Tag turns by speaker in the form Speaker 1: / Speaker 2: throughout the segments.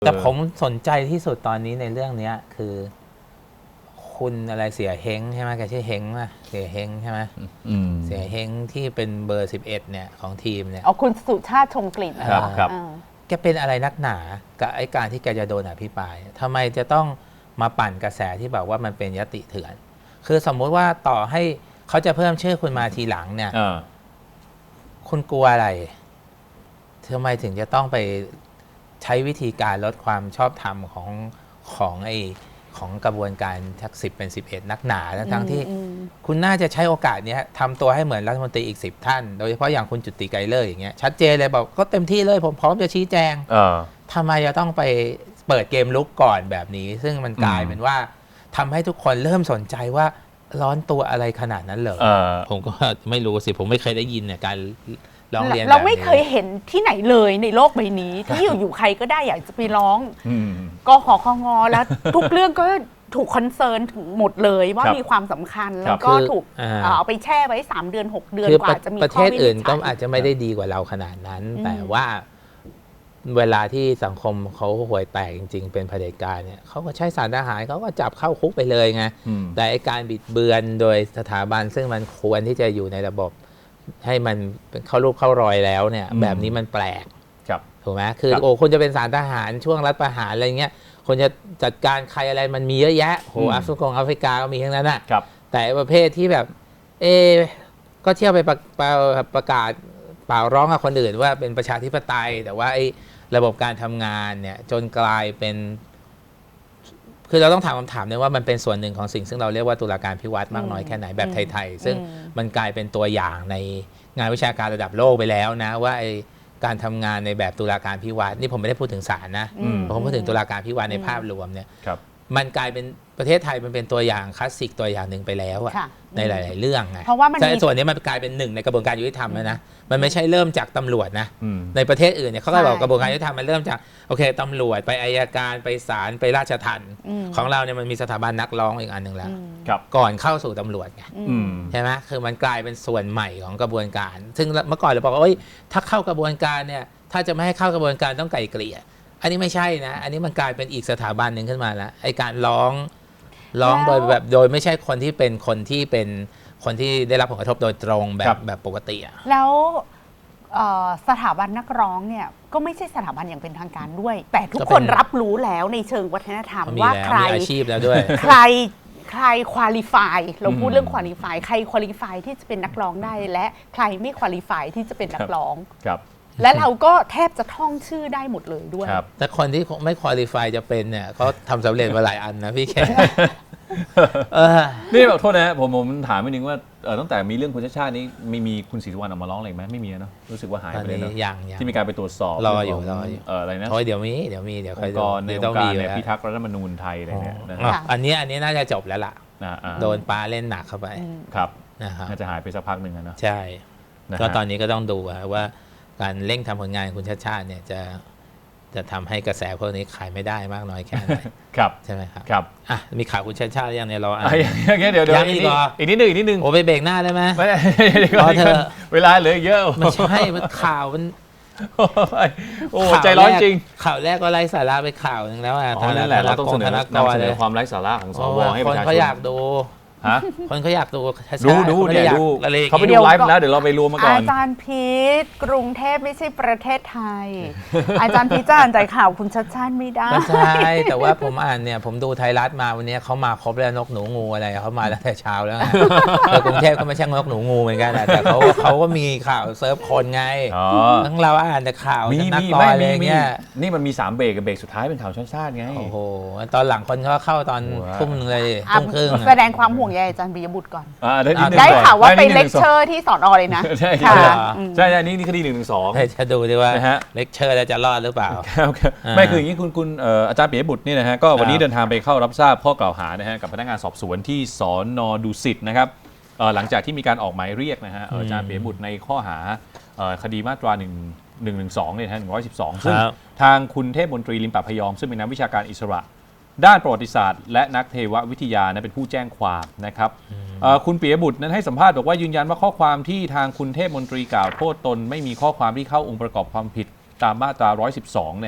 Speaker 1: แต่ผมสนใจที่สุดตอนนี้ในเรื่องนี้คือคุณอะไรเสียเฮงใช่ไหมแกชื่อเฮงป่ะเสียเฮงใช่ไหมเสียเฮงที่เป็นเบอร์11เนี่ยของทีมเนี่ย
Speaker 2: คุณสุชาติชมกลิ่น
Speaker 3: ครับ
Speaker 1: แกเป็นอะไรนักหนากับไอ้การที่แกจะโดนอภิปรายทำไมจะต้องมาปั่นกระแสที่แบบว่ามันเป็นยติเถื่อนคือสมมุติว่าต่อให้เขาจะเพิ่มชื่อคุณมาทีหลังเนี่ยคุณกลัวอะไรทำไมถึงจะต้องไปใช้วิธีการลดความชอบธรรมของกระบวนการทัก10เป็น11นักหนาทั้งที่คุณน่าจะใช้โอกาสนี้ทำตัวให้เหมือนรัฐมนตรีอีก10ท่านโดยเฉพาะอย่างคุณจุติไกรเลิศอย่างเงี้ยชัดเจนเลยบอกก็เต็มที่เลยผมพร้อมจะชี้แจงทำไมจะต้องไปเปิดเกมลุกก่อนแบบนี้ซึ่งมันกลายเป็นว่าทำให้ทุกคนเริ่มสนใจว่าร้อนตัวอะไรขนาดนั้นเหรอผมก็ไม่รู้สิผมไม่เคยได้ยินเนี่ยการร้องเรียนเรา
Speaker 2: ไม่เคยเห็นที่ไหนเลยในโลกใบนี้ที่อยู่ใครก็ได้อยากจะไปร้องกขคงแล้วทุกเรื่องก็ถูกคอนเซิร์นถึงหมดเลยว่ามีความสำคัญแล้วก็ถูกเอาไปแช่ไว้3 เดือน 6 เดือนกว่าจะมี
Speaker 1: ประเทศอื่นก็อาจจะไม่ได้ดีกว่าเราขนาดนั้นแต่ว่าเวลาที่สังคมเขาห่วยแตกจริงๆเป็นเผด็จการเนี่ยเขาก็ใช้สารทหารเขาก็จับเข้าคุกไปเลยไงแต่การบิดเบือนโดยสถาบันซึ่งมันควรที่จะอยู่ในระบบให้มันเข้ารูปเข้ารอยแล้วเนี่ยแบบนี้มันแปลกถูกไหมคือคนจะเป็นสารทหารช่วงรัฐประหารอะไรเงี้ยคนจะจัดการใครอะไรมันมีเยอะแยะแอฟริกาก็มีทั้งนั้นน่ะแต่ประเภทที่แบบก็เที่ยวไปประกาศเปล่าร้องกับคนอื่นว่าเป็นประชาธิปไตยแต่ว่าระบบการทำงานเนี่ยจนกลายเป็นคือเราต้องถามคำถามนึงว่ามันเป็นส่วนหนึ่งของสิ่งซึ่งเราเรียกว่าตุลาการพิวัตรมากน้อยแค่ไหนแบบไทยๆซึ่งมันกลายเป็นตัวอย่างในงานวิชาการระดับโลกไปแล้วนะว่าการทำงานในแบบตุลาการพิวัตรนี่ผมไม่ได้พูดถึงศาลนะผมพูดถึงตุลาการพิวัตรในภาพรวมเนี่ยมันกลายเป็นประเทศไทยมันเป็นตัวอย่างคลาสสิกตัวอย่างหนึ่งไปแล้วอะในหลายๆเรื่องไงเพราะว่าส่วนนี้มันกลายเป็นหนึ่งในกระบวนการยุติธรรมแล้วนะมันไม่ใช่เริ่มจากตำรวจนะในประเทศอื่นเนี่ยเขาก็บอกกระบวนการยุติธรรมมันเริ่มจากโอเคตำรวจไปอัยการไปศาลไปราชทัณฑ์ของเราเนี่ยมันมีสถาบันนักร้องอีกอันหนึ่งแล้วก่อนเข้าสู่ตำรวจไงใช่ไหมคือมันกลายเป็นส่วนใหม่ของกระบวนการซึ่งเมื่อก่อนเราบอกว่าถ้าเข้ากระบวนการเนี่ยถ้าจะไม่ให้เข้ากระบวนการต้องไกล่เกลี่ยอันนี้ไม่ใช่นะอันนี้มันกลายเป็นอีกสถาบันหนึ่งขึ้นมาแล้วไอ้การร้องโดยไม่ใช่คนที่ได้รับผลกระทบโดยตรงแบบปกติ
Speaker 2: แล้วสถาบันนักร้องเนี่ยก็ไม่ใช่สถาบันอย่างเป็นทางการด้วยแต่ทุกคนรับรู้แล้วในเชิงวัฒนธรรมว่าใคร
Speaker 1: มีอาชีพแล้วด้วย
Speaker 2: ใครควอลิฟายเราพูดเรื่องควอลิฟายใครควอลิฟายที่จะเป็นนักร้องได้และใครไม่ควอลิฟายที่จะเป็นนักร้องและเราก็แทบจะท่องชื่อได้หมดเลยด้วย
Speaker 1: แต่คนที่ไม่ควอลิฟายจะเป็นเนี่ยเขาทำสำเร็จมาหลายอันนะพี่แขก
Speaker 3: นี่แบบโทษนะผมถามนิดนึงว่าตั้งแต่มีเรื่องคุณชาติชาตินี้มีคุณศรีสุวรรณออกมาร้องอะไรไหมไม่มีเนาะรู้สึกว่าหายไปเลยเนาะที่มีการไปตรวจสอบ
Speaker 1: รออยู่
Speaker 3: อะไรนะ
Speaker 1: เดี๋ยวใคร
Speaker 3: ต้องมีพิทักษ์รัฐธรรมนูญไทยอะไรเนี่ย
Speaker 1: อันนี้น่าจะจบแล้วล่ะโดนปาเล่นหนักเข้าไป
Speaker 3: ครับน่าจะหายไปสักพักหนึ่งนะ
Speaker 1: ใช่ก็ตอนนี้ก็ต้องดูว่าการเร่งทำผลงานคุณชาติชาติเนี่ยจะทำให้กระแสพวกนี้ขายไม่ได้มากน้อยแค่ไหนใช่ไหมครับ
Speaker 3: ครับ
Speaker 1: มีข่าวคุณชาติชาติยังเนี่ยเรา
Speaker 3: อย่างเงี้ยเดี๋ยวอีกนิดนึง
Speaker 1: โอ้ไปเบรกหน้าได้ไหม
Speaker 3: ไม่เธอเวลาเหลือเยอะ
Speaker 1: ไม่ใช่ข่าวมัน
Speaker 3: โอ้ใจร้อนจริง
Speaker 1: ข่าวแรกก็ไร้สาระไปข่าวนึงแล้ว
Speaker 3: นั่นแหละเราต้องเสนอความไร้สาระของสวให้ประชาชน
Speaker 1: เขาอยากดูคนเขาอยากดู
Speaker 3: ดูเขาไปดูไลฟ์แล้วเดี๋ยวเราไปรวมมาก่อน
Speaker 2: อาจารย์พีทกรุงเทพไม่ใช่ประเทศไทยอาจารย์พีทจะอ่านใจข่าวคุณชัดชาติไม่ได้
Speaker 1: ใช่แต่ว่าผมอ่านเนี่ยผมดูไทยรัฐมาวันนี้เขามาครบแล้วนกหนูงูอะไรเขามาแล้วแต่เช้าแล้วแต่กรุงเทพก็ไม่ใช่นกหนูงูเหมือนกันแต่เขาก็มีข่าวเซิร์ฟคนไงทั้งเราอ่านแต่ข่าวนักกอล์ฟอะไรเงี้ย
Speaker 3: นี่มันมี3เบรกกับเบรกสุดท้ายเป็นข่าวชาติไง
Speaker 1: โอ้โหตอนหลังคนเขาเข้าตอนทุ่มเลยทุ่มครึ่ง
Speaker 2: แสดงความห่วงใยอาจารย์ปิยบุตรก่อนได้ข่าวว่าไปเลคเชอร์ที่สอนอเลยนะ
Speaker 3: ใช่ใช่นี่คดี112
Speaker 1: จะดูดิว่าเลคเชอร์แล้วจะรอดหรือเปล่า
Speaker 3: ไม่คืออย่างนี้คุณอาจารย์ปิยบุตรนี่นะฮะก็วันนี้เดินทางไปเข้ารับทราบข้อกล่าวหานะฮะกับพนักงานสอบสวนที่สน.ดุสิตนะครับหลังจากที่มีการออกหมายเรียกนะฮะอาจารย์ปิยบุตรในข้อหาคดีมาตรา112เนี่ยนะฮะ112ซึ่งทางคุณเทพมนตรีลิมปะพยอมซึ่งเป็นนักวิชาการอิสระด้านประวัติศาสตร์และนักเทววิทยาเป็นผู้แจ้งความนะครับคุณปิยบุตรนั้นให้สัมภาษณ์บอกว่ายืนยันว่าข้อความที่ทางคุณเทพมนตรีกล่าวโทษตนไม่มีข้อความที่เข้าองค์ประกอบความผิดตามมาตรา112นะฮะ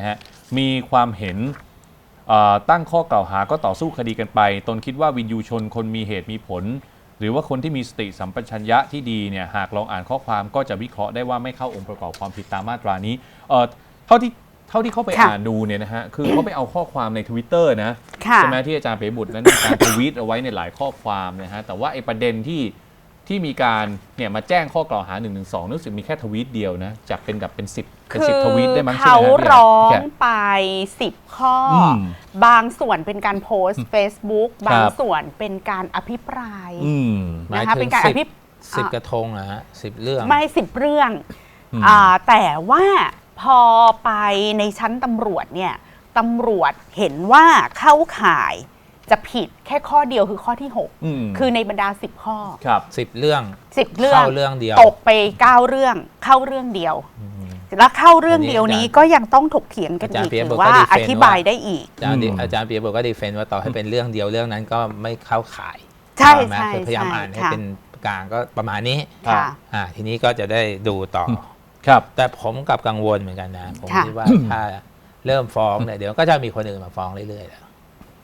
Speaker 3: มีความเห็นตั้งข้อกล่าวหาก็ต่อสู้คดีกันไปตนคิดว่าวินยูชนคนมีเหตุมีผลหรือว่าคนที่มีสติสัมปชัญญะที่ดีเนี่ยหากลองอ่านข้อความก็จะวิเคราะห์ได้ว่าไม่เข้าองค์ประกอบความผิดตามมาตรานี้เท่าที่เขาไปอ่านดูเนี่ยนะฮะคือเขาไปเอาข้อความใน Twitter นะใช่ไหมที่อาจารย์เป๋บุตรนั้นมีการทวีตเอาไว้ในหลายข้อความนะฮะแต่ว่าไอ้ประเด็นที่มีการเนี่ยมาแจ้งข้อกล่าวหา112รู้สึกมีแค่ทวีตเดียวนะจากเป็นแบบเป็น10ทวีตได้มั้งใช่ไหมครับเขา
Speaker 2: ร้องไป10ข้อบางส่วนเป็นการโพสต์ Facebook บางส่วนเป็นการอภิปราย
Speaker 1: นะคะเป็นการอภิปราย10 กระทงนะฮะ10 เรื่อง
Speaker 2: ไม่10 เรื่องแต่ว่าพอไปในชั้นตำรวจเนี่ยตำรวจเห็นว่าเข้าข่ายจะผิดแค่ข้อเดียวคือข้อที่6คือในบรรดา10ข้อ
Speaker 1: 10 เรื่อง
Speaker 2: เข้า
Speaker 1: เรื่องเดียว
Speaker 2: ตกไป9เรื่องเข้าเรื่องเดียวแล้วเข้าเรื่องเดียวนี้ก็ยังต้องถกเถียงกันอีกหรือว่าอธิบายได้อีก
Speaker 1: อาจารย์เปียบอกก็ดีเฟนต์ว่าต่อให้เป็นเรื่องเดียวเรื่องนั้นก็ไม่เข้าข่าย
Speaker 2: ใช่
Speaker 1: พยายามอ่านให้เป็นกลางก็ประมาณนี้ทีนี้ก็จะได้ดูต่อแต่ผมกับกังวลเหมือนกันนะผมคิดว่าถ้าเริ่มฟ้องเนี่ยเดี๋ยวก็จะมีคนอื่นมาฟ้องเรื่อยๆแล้ว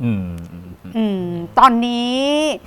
Speaker 2: ตอนนี้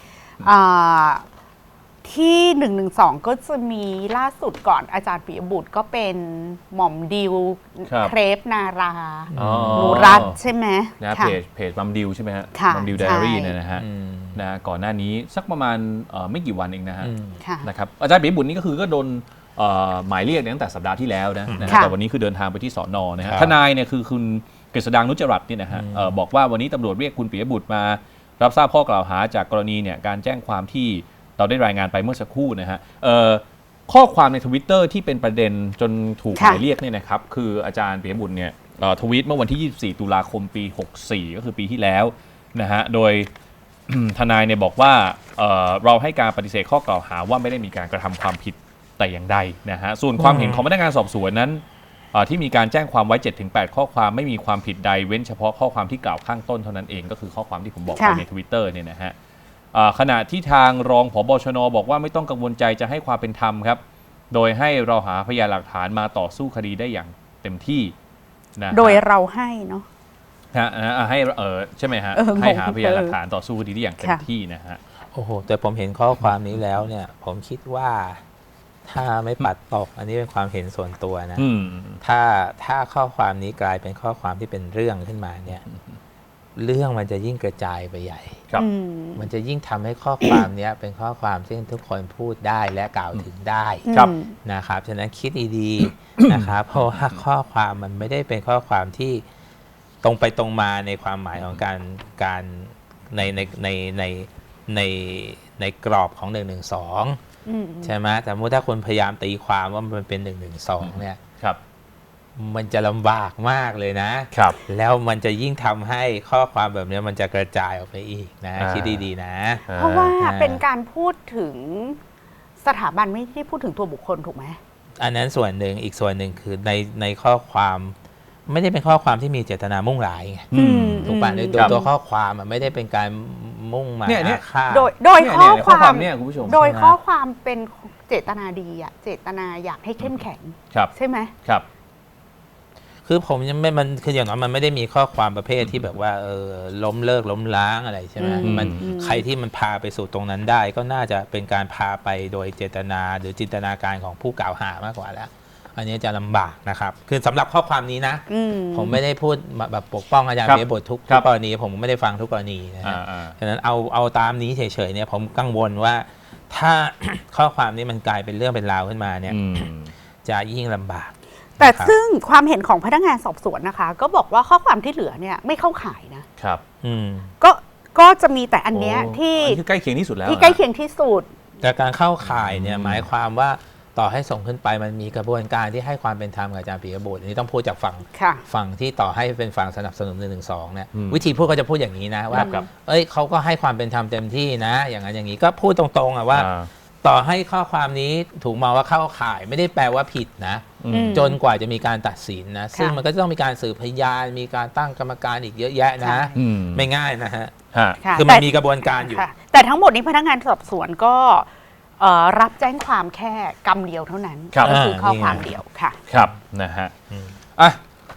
Speaker 2: ที่112ก็จะมีล่าสุดก่อนอาจารย์ปิยบุตรก็เป็นหม่อมดิวเครปนาราหนูรัตใช่ไหม
Speaker 3: นะเพจมัมดิวใช่ไหมฮะมัมดิวไดอารี่เนี่ยนะฮะก่อนหน้านี้สักประมาณไม่กี่วันเองนะฮะนะครับอาจารย์ปิยบุตรนี่ก็คือก็โดนหมายเรียกตั้งแต่สัปดาห์ที่แล้วนะแต่วันนี้คือเดินทางไปที่สน.นะฮะทนายเนี่ยคือคุณกฤษดางนุจรัตน์นี่นะฮะบอกว่าวันนี้ตำรวจเรียกคุณปิยบุตรมารับทราบข้อกล่าวหาจากกรณีเนี่ยการแจ้งความที่เราได้รายงานไปเมื่อสักครู่นะฮะข้อความใน Twitter ที่เป็นประเด็นจนถูกหมายเรียกเนี่ยนะครับคืออาจารย์ปิยบุตรเนี่ยทวีตเมื่อวันที่24 ตุลาคมปี64ก็คือปีที่แล้วนะฮะโดย ทนายเนี่ยบอกว่าเราให้การปฏิเสธข้อกล่าวหาว่าไม่ได้มีการกระทำความผิดแต่อย่างใดนะฮะส่วนความเห็นของพนักงานสอบสวนนั้นที่มีการแจ้งความไว้ 7-8 ข้อความไม่มีความผิดใดเว้นเฉพาะข้อความที่กล่าวข้างต้นเท่านั้นเองก็คือข้อความที่ผมบอกไปใน Twitter เนี่ยนะฮะขณะที่ทางรองผบ.ชน.บอกว่าไม่ต้องกังวลใจจะให้ความเป็นธรรมครับโดยให้เราหาพยานหลักฐานมาต่อสู้คดีได้อย่างเต็มที่นะ
Speaker 2: โดยเราให้เนาะ
Speaker 3: ให้ใช่ไหมฮะให้หาพยานหลักฐานต่อสู้คดีได้อย่างเต็มที่นะฮะ
Speaker 1: โอ้โหแต่ผมเห็นข้อความนี้แล้วเนี่ยผมคิดว่าถ้าไม่ปัดตกอันนี้เป็นความเห็นส่วนตัวนะถ้าข้อความนี้กลายเป็นข้อความที่เป็นเรื่องขึ้นมาเนี่ยเรื่องมันจะยิ่งกระจายไปใหญ่มันจะยิ่งทำให้ข้อความนี้เป็นข้อความที่ทุกคนพูดได้และกล่าวถึงได้นะครับฉะนั้นคิดดีๆนะครับเพราะว่าข้อความมันไม่ได้เป็นข้อความที่ตรงไปตรงมาในความหมายของการในกรอบของ112ใช่ไหมแต่ถ้าคนพยายามตีความว่ามันเป็น112เนี่ยมันจะลำบากมากเลยนะแล้วมันจะยิ่งทำให้ข้อความแบบนี้มันจะกระจายออกไปอีกนะคิดดีๆนะ
Speaker 2: เพราะว่าเป็นการพูดถึงสถาบันไม่ได้พูดถึงตัวบุคคลถูกไหม
Speaker 1: อันนั้นส่วนหนึ่งอีกส่วนหนึ่งคือในข้อความไม่ได้เป็นข้อความที่มีเจตนามุ่งร้ายไงถูกป่ะโดยตัวข้อความมันไม่ได้เป็นการมุ่งหมายฆ่า
Speaker 2: โดยข้อความเนี่ยคุณผู้ชมโดยข้อความเป็นเจตนาดีอะเจตนาอยากให้เข้มแข็งใช่ไหม
Speaker 3: ครับ
Speaker 1: คือผมยังไม่มันคืออย่างน้อยมันไม่ได้มีข้อความประเภทที่แบบว่าล้มเลิกล้มล้างอะไรใช่ไหมมันใครที่มันพาไปสู่ตรงนั้นได้ก็น่าจะเป็นการพาไปโดยเจตนาหรือจินตนาการของผู้กล่าวหามากกว่าแล้วอันนี้จะลำบากนะครับคือสำหรับข้อความนี้นะผมไม่ได้พูดแบบปกป้องอาจารย์ปิยบุตรทุกกรณีผมไม่ได้ฟังทุกกรณีนะฮะฉะนั้นเอาตามนี้เฉยๆเนี่ยผมกังวลว่าถ้าข้อความนี้มันกลายเป็นเรื่องเป็นราวขึ้นมาเนี่ยจะยิ่งลำบาก
Speaker 2: แต่ซึ่งความเห็นของพนักงานสอบสวนนะคะก็บอกว่าข้อความที่เหลือเนี่ยไม่เข้าข่ายนะครับก็จะมีแต่อันเนี้ยที่
Speaker 3: ใกล้เคียงที่สุดแล้ว
Speaker 2: ที่ใกล้เคียงที่สุด
Speaker 1: แต่การเข้าข่ายเนี่ยหมายความว่าต่อให้ส่งขึ้นไปมันมีกระบวนการที่ให้ความเป็นธรรมกับอาจารย์ปิยบุตรอันนี้ต้องพูดจากฝั่งที่ต่อให้เป็นฝั่งสนับสนุน112เนี่ยวิธีพูดก็จะพูดอย่างนี้นะว่าเขาก็ให้ความเป็นธรรมเต็มที่นะอย่างนั้นอย่างนี้ก็พูดตรงๆว่าต่อให้ข้อความนี้ถูกมองว่าเข้าข่ายไม่ได้แปลว่าผิดนะจนกว่าจะมีการตัดสินนะซึ่งมันก็ต้องมีการสืบพยานมีการตั้งกรรมการอีกเยอะแยะนะไม่ง่ายนะฮะคือมันมีกระบวนการอยู่
Speaker 2: แต่ทั้งหมดนี้พนักงานสอบสวนก็รับแจ้งความแค่กรรมเดียวเท่านั้นก็คือข้อความเดียวค่ะ
Speaker 3: ครับนะฮะไป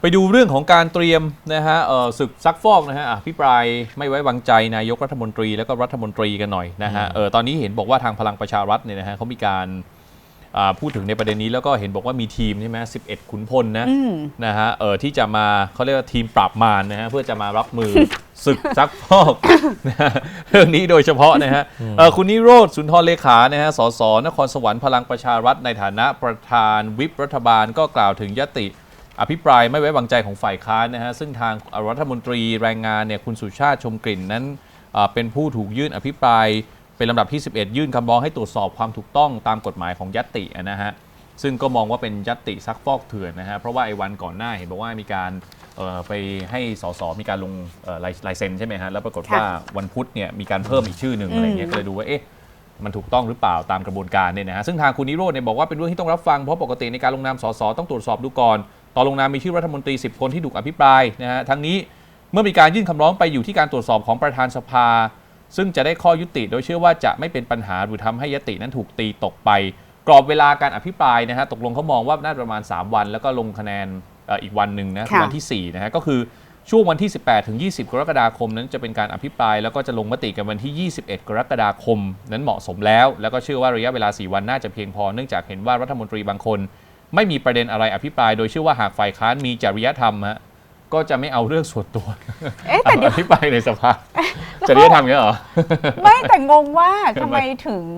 Speaker 3: ไปดูเรื่องของการเตรียมนะฮะศึกซักฟอกนะฮะอภิปรายไม่ไว้วางใจนายกรัฐมนตรีแล้วก็รัฐมนตรีกันหน่อยนะฮะตอนนี้เห็นบอกว่าทางพลังประชารัฐเนี่ยนะฮะเขามีการพูดถึงในประเด็นนี้แล้วก็เห็นบอกว่ามีทีมใช่ไหม11 ขุนพลนะฮะที่จะมาเขาเรียกว่าทีมปราบมารนะฮะเพื่อจะมารับมือ ศึกซักฟอกนะเรื่องนี้โดยเฉพาะนะฮะคุณนิโรธสุนทรเลขานะฮะสสนครสวรรค์พลังประชารัฐในฐานะประธานวิปรัฐบาลก็กล่าวถึงยติอภิปรายไม่ไว้วางใจของฝ่ายค้านนะฮะซึ่งทางรัฐมนตรีแรงงานเนี่ยคุณสุชาติชมกลิ่นนั้นเป็นผู้ถูกยื่นอภิปรายเป็นลำดับที่ 11 ยื่นคำร้องให้ตรวจสอบความถูกต้องตามกฎหมายของยตินะฮะซึ่งก็มองว่าเป็นยติซักฟอกเถื่อนนะฮะเพราะว่าไอ้วันก่อนหน้าเห็นบอกว่ามีการไปให้สสมีการลงลายเซ็นใช่ไหมฮะแล้วปรากฏว่าวันพุธเนี่ยมีการเพิ่มอีกชื่อหนึ่งอะไรเงี้ยก็เลยดูว่าเอ๊ะมันถูกต้องหรือเปล่าตามกระบวนการเนี่ยนะฮะซึ่งทางคุณนิโรธเนี่ยบอกว่าเป็นเรื่องที่ต้องรับฟังเพราะปกติในการลงนามสสต้องตรวจสอบดูก่อนตอนลงนามมีชื่อรัฐมนตรี10 คนที่ถูกอภิปรายนะฮะทั้งนี้เมื่อมีการยื่นคำร้องไปอยู่ที่การตรวจสอบของประธานสภาซึ่งจะได้ข้อยุติโดยเชื่อว่าจะไม่เป็นปัญหาหรือทำให้ยตินั้นถูกตีตกไปกรอบเวลาการอภิปรายนะฮะตกลงเขามองว่าน่าจะประมาณ3 วันแล้วก็ลงคะแนนอีกวันหนึ่งนะวันที่4นะฮะก็คือช่วงวันที่18 ถึง 20 กรกฎาคมนั้นจะเป็นการอภิปรายแล้วก็จะลงมติกันวันที่ 21 กรกฎาคมนั้นเหมาะสมแล้วก็เชื่อว่าระยะเวลา4 วันน่าจะเพียงพอเนื่องจากเห็นว่ารัฐมนตรีบางคนไม่มีประเด็นอะไรอภิปรายโดยเชื่อว่าหากฝ่ายค้านมีจริยธรรมฮะก็จะไม่เอาเรื่องส่วนตัวอภิปรายในสภาจริยธรรมเนี่ยเหรอ
Speaker 2: ไม่แต่งงว่าทำไมถึง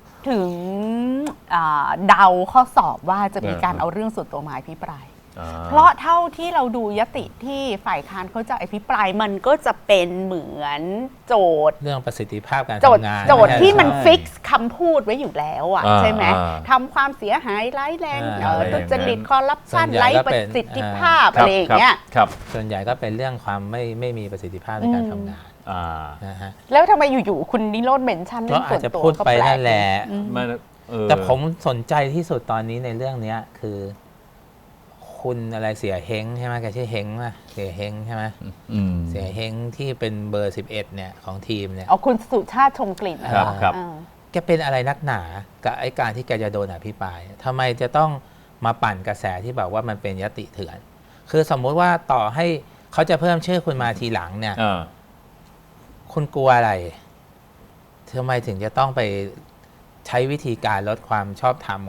Speaker 2: เดาข้อสอบว่าจะมีการเอาเรื่องส่วนตัวมาอภิปรายเพราะเท่าที่เราดูยติที่ฝ่ายค้านเขาจะอภิปรายมันก็จะเป็นเหมือนโจทย์
Speaker 1: เรื่องประสิทธิภาพการทำงาน
Speaker 2: โจทย์ที่มันฟิกซ์คำพูดไว้อยู่แล้วอ่ะใช่ไหมทำความเสียหายร้ายแรงทุจริตคอร์รัปชันไร้ประสิทธิภาพอะไรอย่างเงี้ย
Speaker 1: ส่วนใหญ่ก็เป็นเรื่องความไม่มีประสิทธิภาพในการทำงาน
Speaker 2: นะฮะแล้วทำไมอยู่ๆคุณนิโรธเมนชั่นเรื่องส่วนตัว
Speaker 1: ก็ไปนั่นแหละแต่ผมสนใจที่สุดตอนนี้ในเรื่องนี้คือคุณอะไรเสียเฮงใช่ไหมแกชื่อเฮงป่ะเสียเฮงใช่ไหมเสียเฮงที่เป็นเบอร์11เนี่ยของทีมเนี่ย
Speaker 2: คุณสุชาติชมกลิ่น
Speaker 3: ครับ
Speaker 1: แกเป็นอะไรนักหนากับไอ้การที่แกจะโดนอภิปรายทำไมจะต้องมาปั่นกระแสที่แบบว่ามันเป็นยติเถื่อนคือสมมุติว่าต่อให้เขาจะเพิ่มชื่อคุณมาทีหลังเนี่ยคุณกลัวอะไรทำไมถึงจะต้องไปใช้วิธีการลดความชอบธรรม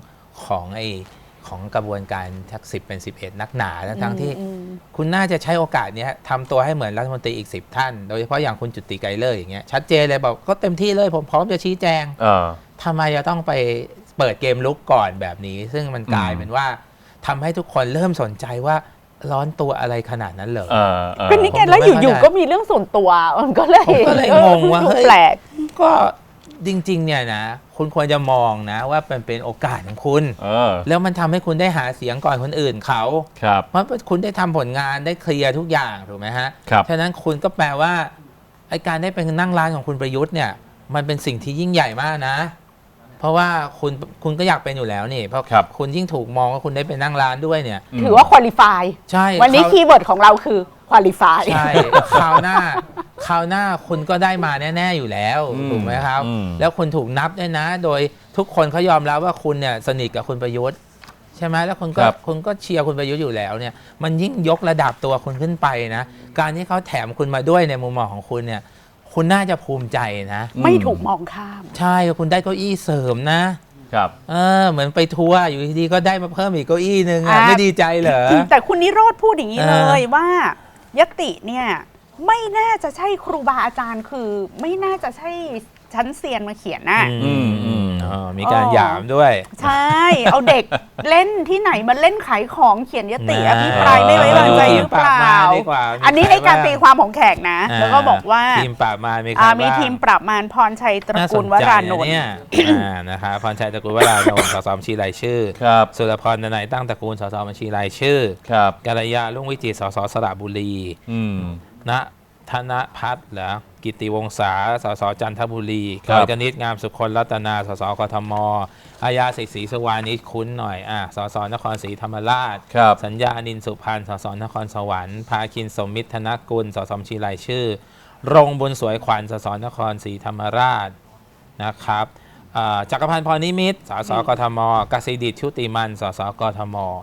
Speaker 1: ของกระบวนการทัก10 เป็น 11นักหนาทั้งที่คุณน่าจะใช้โอกาสนี้ทำตัวให้เหมือนรัฐมนตรีอีก10 ท่านโดยเฉพาะอย่างคุณจุติไกรเลิศอย่างเงี้ยชัดเจนเลยบอกก็เต็มที่เลยผมพร้อมจะชี้แจงทำไมจะต้องไปเปิดเกมลุกก่อนแบบนี้ซึ่งมันกลายเป็นว่าทำให้ทุกคนเริ่มสนใจว่าร้อนตัวอะไรขนาดนั้นเหรอ
Speaker 2: ก็นี่แกแล้วอยู่ๆก็มีเรื่องส่วนตัวมันก็เลย
Speaker 1: งงว่า
Speaker 2: แปลก
Speaker 1: ก็จริงๆเนี่ยนะคุณควรจะมองนะว่าเป็นโอกาสของคุณแล้วมันทำให้คุณได้หาเสียงก่อนคนอื่นเขาเพราะคุณได้ทำผลงานได้เคลียร์ทุกอย่างถูกไหมฮะฉะนั้นคุณก็แปลว่าไอ้การได้เป็นนั่งร้านของคุณประยุทธ์เนี่ยมันเป็นสิ่งที่ยิ่งใหญ่มากนะเพราะว่าคุณก็อยากเป็นอยู่แล้วนี่เพราะคุณยิ่งถูกมองว่าคุณได้เป็นนั่งร้านด้วยเนี่ย
Speaker 2: ถือว่าควอลิฟาย
Speaker 1: ใช่
Speaker 2: วันนี้คีย์เวิร์ดของเราคือควอลิฟาย
Speaker 1: ใช่คราวหน้าคุณก็ได้มาแน่ๆอยู่แล้วถูกไหมครับแล้วคุณถูกนับด้วยนะโดยทุกคนเขายอมรับว่าคุณเนี่ยสนิทกับคุณประยุทธ์ใช่ไหมแล้วคุณก็เชียร์คุณประยุทธ์อยู่แล้วเนี่ยมันยิ่งยกระดับตัวคุณขึ้นไปนะการที่เขาแถมคุณมาด้วยในมุมมองของคุณเนี่ยคุณน่าจะภูมิใจนะ
Speaker 2: ไม่ถูกมองข้าม
Speaker 1: ใช่คุณได้เก้าอี้เสริมนะครับเหมือนไปทัวร์อยู่ดีๆก็ได้มาเพิ่มอีกเก้าอี้นึงไม่ดีใจเหรอ
Speaker 2: แต่คุณนิโรธพูดอย่างนี้เลยว่ายติเนี่ยไม่น่าจะใช่ครูบาอาจารย์คือไม่น่าจะใช่ชั้นเซียนมาเขียนน่ะ
Speaker 1: มีการหยามด้วย
Speaker 2: ใช่เอาเด็กเล่นที่ไหนมาเล่นขายของเขียนยติอภิปรายไม่ไว้วางใจหรือเปล่าอันนี้ในการตีความของแขกนะแล้วก็บอกว่า
Speaker 1: ทีมปราบมาร
Speaker 2: มีทีมปราบมารพรชัยตระกูลวรานนท์
Speaker 1: นะคะพรชัยตระกูลวรานนท์สสบัญชีรายชื่อสุรพรนายตั้งตระกูลสสบัญชีรายชื่อกัลยาลุ่งวิจิตรสสสระบุรีณธนพัฒน์เหรอกิติวงศาสสจันทบุรีกฤษงามสุคนรัตนาสสกทมอาญาศรีสุวรรณนี่คุ้นหน่อยสสนครศรีธรรมราชสัญญานินสุพรรณสสนครสวรรค์ภาคินสมมิตรธนกุลสสบัญชีรายชื่อรงบุญสวยขวัญสสนครศรีธรรมราชนะครับจักรพันธ์พรนิมิตรสสกทมกสิดิษฐ์ชุติมันสสกทม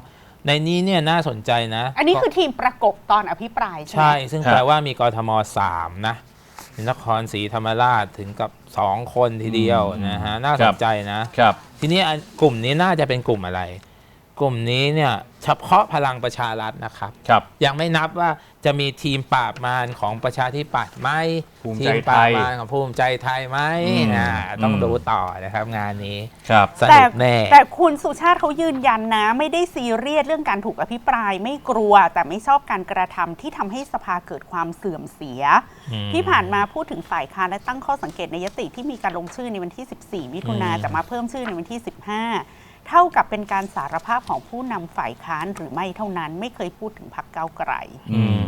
Speaker 1: ในนี้เนี่ยน่าสนใจนะ
Speaker 2: อันนี้คือทีมประกบตอนอภิปรายใช่ไหม
Speaker 1: ใช่ซึ่งแปลว่ามีกทม3นะนครศรีธรรมราชถึงกับ2คนทีเดียวนะฮะน่าสนใจนะครับ ทีนี้กลุ่มนี้น่าจะเป็นกลุ่มอะไร กลุ่มนี้เนี่ยเฉพาะพลังประชารัฐนะครับ
Speaker 3: ครับ
Speaker 1: ยังไม่นับว่าจะมีทีมปราบมารของประชาธิปัตย์ไหม
Speaker 3: ภูมิ
Speaker 1: ที
Speaker 3: ใจ
Speaker 1: ม
Speaker 3: ไทย
Speaker 1: ปราบมารของภูมิใจไทยไหม ต้อง
Speaker 3: อืม
Speaker 1: ดูต่อนะครับงานนี้
Speaker 3: ครับ
Speaker 1: สนุกแน่
Speaker 2: แต่คุณสุชาติเขายืนยันนะ ไม่ได้ซีเรียสเรื่องการถูกอภิปรายไม่กลัว แต่ไม่ชอบการกระทำที่ทำให้สภาเกิดความเสื่อมเสีย ที่ผ่านมาพูดถึงฝ่ายค้านและตั้งข้อสังเกตในยติที่มีการลงชื่อในวันที่ 14 มิถุนาแต่มาเพิ่มชื่อในวันที่ 15 เท่ากับเป็นการสารภาพของผู้นำฝ่ายค้านหรือไม่เท่านั้นไม่เคยพูดถึงพรรคก้าวไกล